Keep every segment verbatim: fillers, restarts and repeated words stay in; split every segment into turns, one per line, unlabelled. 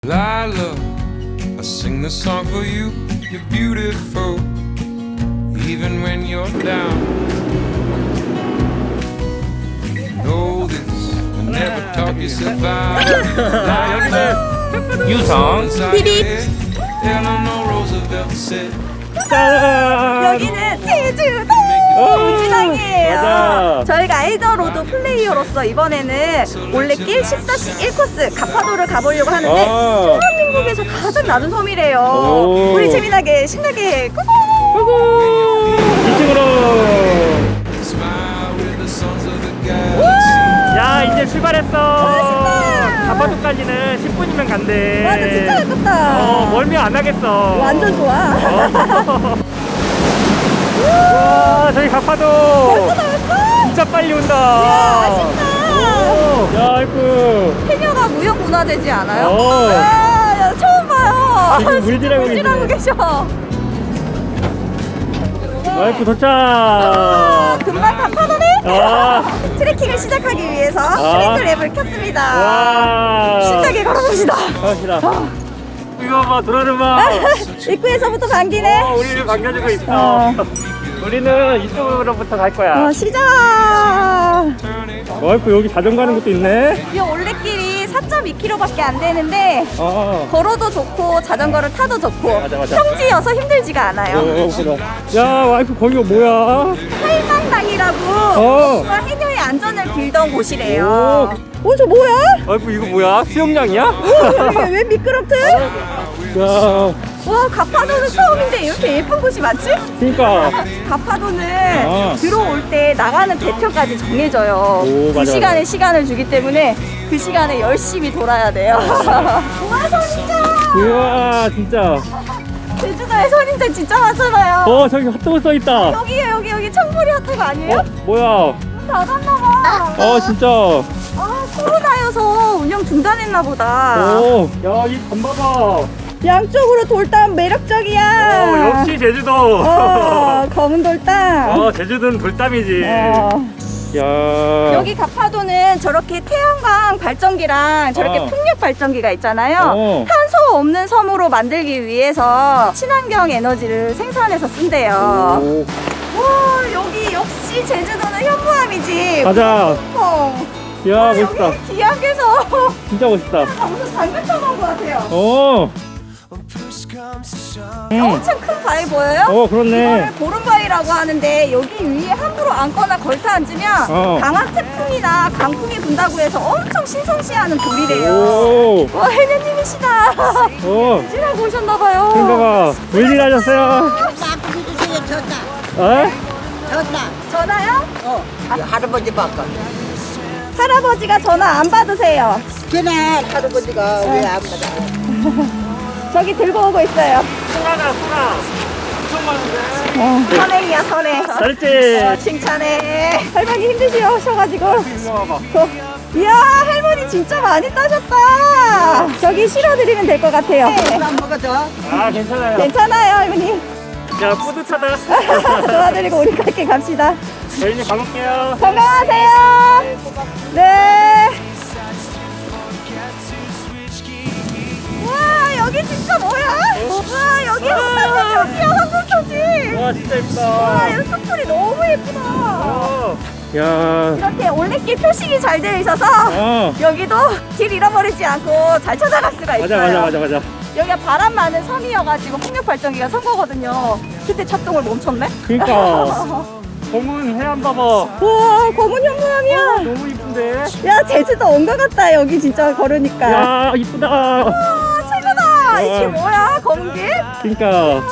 Lila, I sing this song for you. You're beautiful, even when you're down. You know this, I never taught you survive.
유성
Eleanor Roosevelt said.
여기는 제주도 우진항이에요.
맞아.
저희가 아이돌 로드 플레이어로서 이번에는 올레길 십 일 코스 가파도를 가보려고 하는데
아.
대한민국에서 가장 낮은 섬이래요.
오.
우리 재미나게 신나게 꾸꾸
고고 이쪽으로.
Smile with the sons of the galaxy.
야 이제 출발했어.
신나.
가파도까지는 십 분이면 간대.
맞아, 진짜 가깝다.
어 멀미 안 하겠어.
완전 좋아.
와 저기 가파도
벌써 나왔어?
진짜 빨리 온다.
야, 아쉽다.
오, 야 아이고.
해녀가 무형문화재지 않아요?
어.
아, 야, 처음 봐요.
지금 물질하고
물질하고
계시네.
계셔.
아이고 도착.
아, 금방 가파도네?
아.
트레킹을 시작하기 위해서
아.
트레킹 앱을 켰습니다.
와.
신나게 걸어봅시다.
갑시다. 이거 봐 도라르마.
입구에서부터 반기네.
어, 우리를 반겨주고 있어.
어.
우리는 이쪽으로부터 갈 거야.
어, 시작.
와이프 여기 자전거 하는 것도 있네.
이 올레길이 사 점 이 킬로미터밖에 안 되는데
어.
걸어도 좋고 자전거를 타도 좋고
맞아, 맞아.
평지여서 힘들지가 않아요.
어, 야 와이프 거기가 뭐야?
팔망당이라고
어.
어. 해녀의 안전을 빌던 곳이래요. 어, 저 뭐야?
와이프 이거 뭐야? 수영장이야?
이게 왜 미끄럽대?
야,
와, 가파도는 처음인데 이렇게 예쁜 곳이 많지?
그러니까.
가파도는
아.
들어올 때 나가는 배표까지 정해져요.
오,
그
맞아,
시간에
맞아.
시간을 주기 때문에 그 시간에 열심히 돌아야 돼요. 와, 선인장!
우와 진짜.
제주도에 선인장 진짜 많잖아요.
어 저기 핫도그 써 있다.
여기에 여기 여기 청보리 핫도그 아니에요?
어 뭐야?
닫았나봐.
어 진짜.
아, 코로나여서 운영 중단했나 보다.
오, 야이 단 봐봐.
양쪽으로 돌담 매력적이야.
어 역시 제주도.
어, 검은 돌담.
어 제주도는 돌담이지.
어.
야.
여기 가파도는 저렇게 태양광 발전기랑 저렇게
어.
풍력 발전기가 있잖아요.
어.
탄소 없는 섬으로 만들기 위해서 친환경 에너지를 생산해서 쓴대요.
오.
와, 여기 역시 제주도는 현무암이지.
가자.
어.
야
와,
멋있다.
여기 기암에서
진짜 멋있다.
무슨 장갑 쳐놓은 것 같아요.
어. 응.
엄청 큰 바위 보여요?
어 그렇네.
이거를 보름바위라고 하는데 여기 위에 함부로 앉거나 걸터 앉으면
어.
강한 태풍이나 강풍이 분다고 해서 엄청 신성시하는 돌이래요.
오.
와, 해녀님이시다.
어.
지나고 오셨나봐요.
그런가 봐. 웬일 하셨어요?
바꾸기도 전에 졌다.
어?
졌다.
전화요?
어. 할아버지 바꿔.
할아버지가 전화 안 받으세요.
걔네 할아버지가 왜 안 받아?
저기 들고 오고 있어요.
소라가 소라. 엄청 많은데.
선행이야, 선행.
잘했지.
어, 칭찬해. 할머니 힘드시셔가지고.
이거 봐봐.
어, 이야, 할머니 진짜 많이 따셨다. 저기 실어드리면 될 것 같아요.
안 먹어줘.
아 괜찮아요.
괜찮아요, 할머니.
야 뿌듯하다.
도와드리고 우리 갈게 갑시다.
저희는 가볼게요.
건강하세요. 네. 와, 여기 진짜 뭐야? 와, 여기 흑산도 여기야, 황금토지.
와 진짜
와,
예쁘다.
여기 숲풀이 너무 예쁘다.
어. 야.
이렇게 올레길 표식이 잘 되어 있어서
어.
여기도 길 잃어버리지 않고 잘 찾아갈 수가 있어요.
맞아 맞아 맞아 맞아.
여기가 바람 많은 섬이어가지고 풍력 발전기가 선 거거든요. 그때 작동을 멈췄네.
그러니까. 검은 해안 봐봐.
우와, 검은 현무암이야.
너무 이쁜데.
야, 제주도 온 것 같다. 여기 진짜 걸으니까.
야 이쁘다.
와, 최고다. 이게 뭐야? 검은 길?
그러니까.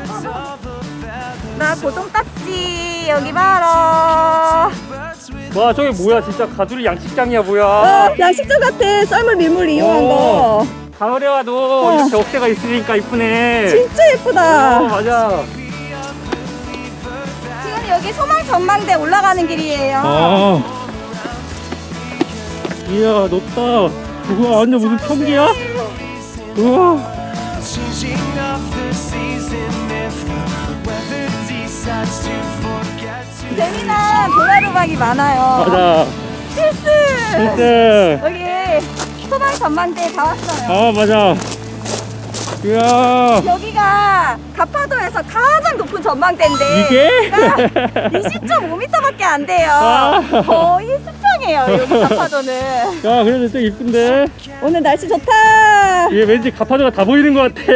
나 고동 딱지 여기 봐라.
와 저게 뭐야 진짜 가두리 양식장이야 뭐야.
어, 양식장 같아. 썰물 밀물 이용한
어.
거.
가을에 와도
어.
이렇게 억새가 있으니까 이쁘네.
진짜 예쁘다.
어, 맞아.
지금 여기 소망 전망대 올라가는 길이에요.
아. 이야 높다. 우와 완전 무슨 평지야? 우와.
Changing of the season if the weather decides to forget to.
재미난 도라루박이 많아요.
맞아.
필수.
필수.
여기 소방 전망대에 다 왔어요.
아 맞아. 이야.
여기가 가파도에서 가장 높은 전망대인데
이게?
이십 점 오 미터밖에 안 돼요.
아.
거의 수평이에요 여기 가파도는.
야 그래도 또 이쁜데.
오늘 날씨 좋다.
이게 왠지 가파도가 다 보이는 것 같아.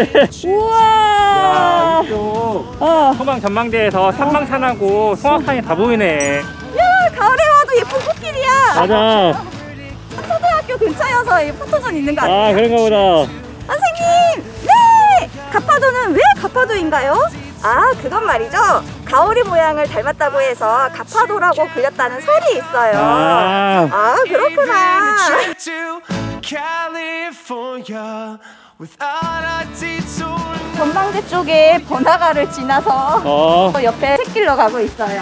우와.
이쪽
어.
소방 전망대에서 산망산하고 송악산이 다 보이네.
야 가을에 와도 예쁜 꽃길이야.
맞아.
초등학교 근처여서 이 포토존 있는 거 아니에요?
아 그런가 보다.
선생님, 네! 가파도는 왜 가파도인가요? 아, 그건 말이죠. 가오리 모양을 닮았다고 해서 가파도라고 불렸다는 설이 있어요.
아.
아, 그렇구나. 전망대 쪽에 번화가를 지나서
어.
옆에 샛길로 가고 있어요.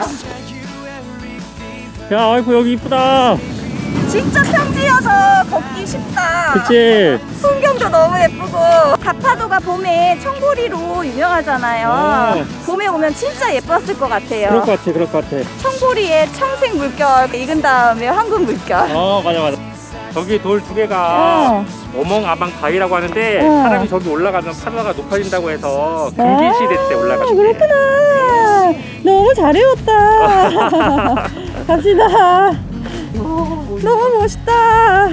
야 아이고 여기 이쁘다.
진짜 평지여서 걷기 쉽다.
그치.
풍경도 너무 예쁘고 가파도가 봄에 청보리로 유명하잖아요.
어.
봄에 오면 진짜 예뻤을 것 같아요.
그럴 것 같아 그럴 것 같아.
청보리에 청색 물결 익은 다음에 황금 물결.
어 맞아 맞아. 저기 돌 두 개가
어.
어멍아방 바위라고 하는데
어.
사람이 저기 올라가면 파도가 높아진다고 해서 금기시대 때 올라가셨대.
그렇구나. 너무 잘 외웠다. 갑시다. 너무 멋있다.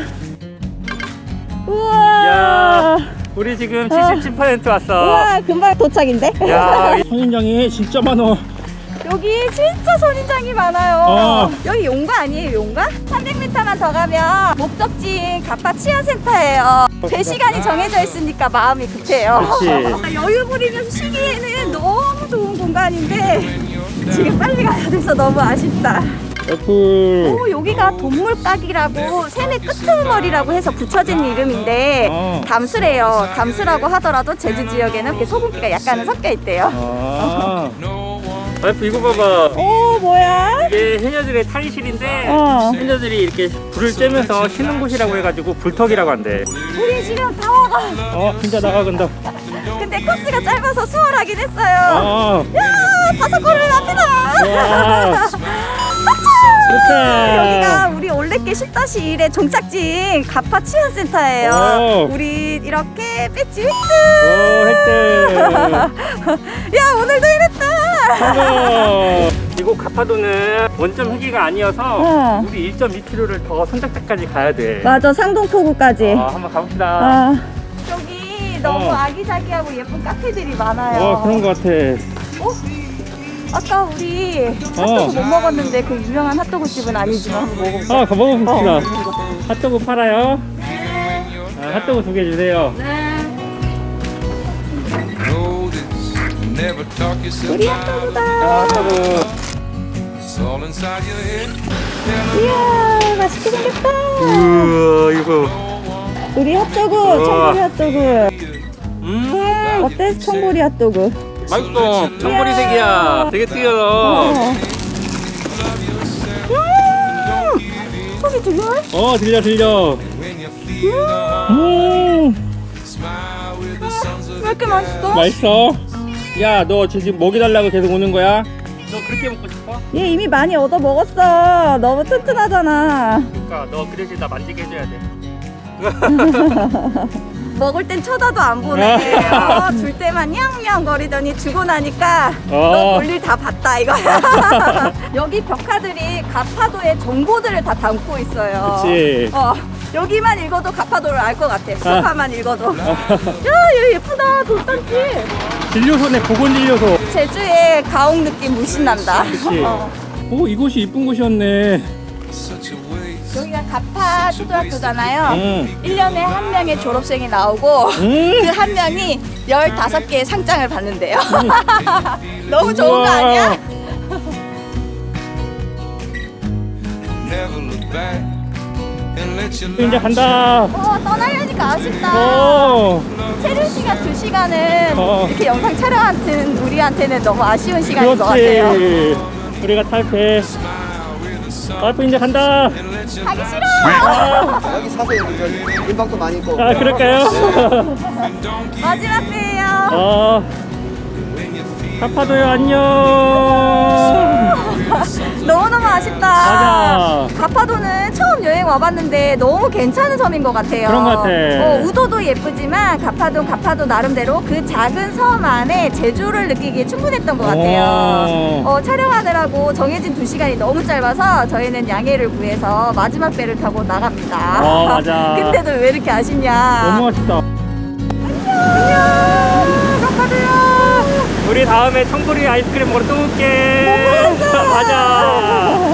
우와.
야 우리 지금 칠십칠 퍼센트 왔어.
우와, 금방 도착인데?
야 선인장이 진짜 많어.
여기 진짜 선인장이 많아요.
어.
여기 용가 아니에요, 용가? 삼백 미터만 더 가면 목적지인 가파 치안센터예요. 제 시간이 정해져 있으니까 마음이 급해요.
그렇지.
여유 부리면서 쉬기에는 너무 좋은 공간인데 지금 빨리 가야 돼서 너무 아쉽다.
애플.
오, 여기가 동물깍이라고 새내 끄트머리라고 해서 붙여진 이름인데
어.
담수래요. 담수라고 하더라도 제주 지역에는 이렇게 소금기가 약간은 섞여 있대요.
아. 와이프 이거 봐봐.
오, 뭐야?
이게 해녀들의 탈의실인데
어.
해녀들이 이렇게 불을 쬐면서 쉬는 곳이라고 해가지고 불턱이라고 한대.
우리 지금 다 와가.
어 진짜 나가간다.
근데 코스가 짧아서 수월하긴 했어요.
아.
야, 다섯 걸음 앞이다.
와.
여기가 우리 올레길 십 일의 종착지인 가파 치안센터예요.
오.
우리 이렇게 배지 획득.
오 획득.
야, 오늘도 이랬다.
성공. 이곳 가파도는 원점 회기가 아니어서
어.
우리 일 점 이 킬로미터를 더 선착대까지 가야 돼.
맞아, 상동포구까지.
어, 한번 가봅시다.
아. 여기 너무
어.
아기자기하고 예쁜 카페들이 많아요.
어 그런 거 같아.
어? 아까 우리 핫도그
어.
못 먹었는데 그 유명한 핫도그 집은 아니지만 한번 먹어볼까?
아 가봐봅시다.
어.
핫도그 팔아요? 아, 핫도그 두 개 주세요.
네.
Know this, never talk yourself
우리
out of it.
아,
핫도그다.
핫도그.
It's all inside your head.
이야, 맛있게 생겼다.
우와 이거.
우리 핫도그,
우와.
청보리 핫도그.
음
어때? 청보리 핫도그.
맛있어. 청보리색이야. 되게 튀어.
음, 소리 들려?
어 들려 들려.
When you feel the heart,
음
smile with the sons of
왜 이렇게 맛있어?
맛있어. 야 너 지금 먹이 달라고 계속 오는 거야? 너 그렇게 먹고 싶어?
얘 이미 많이 얻어 먹었어. 너무 튼튼하잖아.
그러니까 너 그 대신 나 만지게 해줘야 돼.
먹을 땐 쳐다도 안 보네. 어, 줄 때만 냥냥 거리더니 주고 나니까
어.
너 볼일 다 봤다 이거야. 여기 벽화들이 가파도의 정보들을 다 담고 있어요.
그치.
어, 여기만 읽어도 가파도를 알 것 같아. 벽화만 읽어도. 야, 얘 예쁘다. 돌산지.
진료소네 보건진료소.
제주의 가옥 느낌 물씬 난다.
그치.
어.
오 이곳이 이쁜 곳이었네.
such a waste.
여기가 가파 초등학교잖아요.
응.
일 년에 한 명의 졸업생이 나오고
음.
그 한 명이 열다섯 개의 상장을 받는데요. 너무 좋은 거
우와.
아니야?
Never look back and let your
이제
light
간다.
어, 떠나려니까 아쉽다.
오.
체류 시간 두 시간은
어.
이렇게 영상 촬영하는 우리한테는 너무 아쉬운 시간인 것 같아요.
그렇지. 우리가 탈 배. 와이프 이제 간다.
가기 싫어.
여기 사세요. 여기 인방도 많이 있고.
아 그럴까요?
마지막 회예요.
어. 가파도요 안녕.
너무너무 아쉽다.
맞아.
가파도는 처음 여행 와봤는데 너무 괜찮은 섬인 것 같아요.
그런 것 같아.
어, 우도도 예쁘지만 가파도 가파도 나름대로 그 작은 섬 안에 제주를 느끼기에 충분했던 것 같아요.
오.
어, 촬영하느라고 정해진 두 시간이 너무 짧아서 저희는 양해를 구해서 마지막 배를 타고 나갑니다.
어, 맞아.
근데도 왜 이렇게 아쉽냐?
너무 아쉽다.
안녕, 가파도야.
우리 다음에 청보리 아이스크림 먹으러 또 올게.
못 먹었어.
맞아.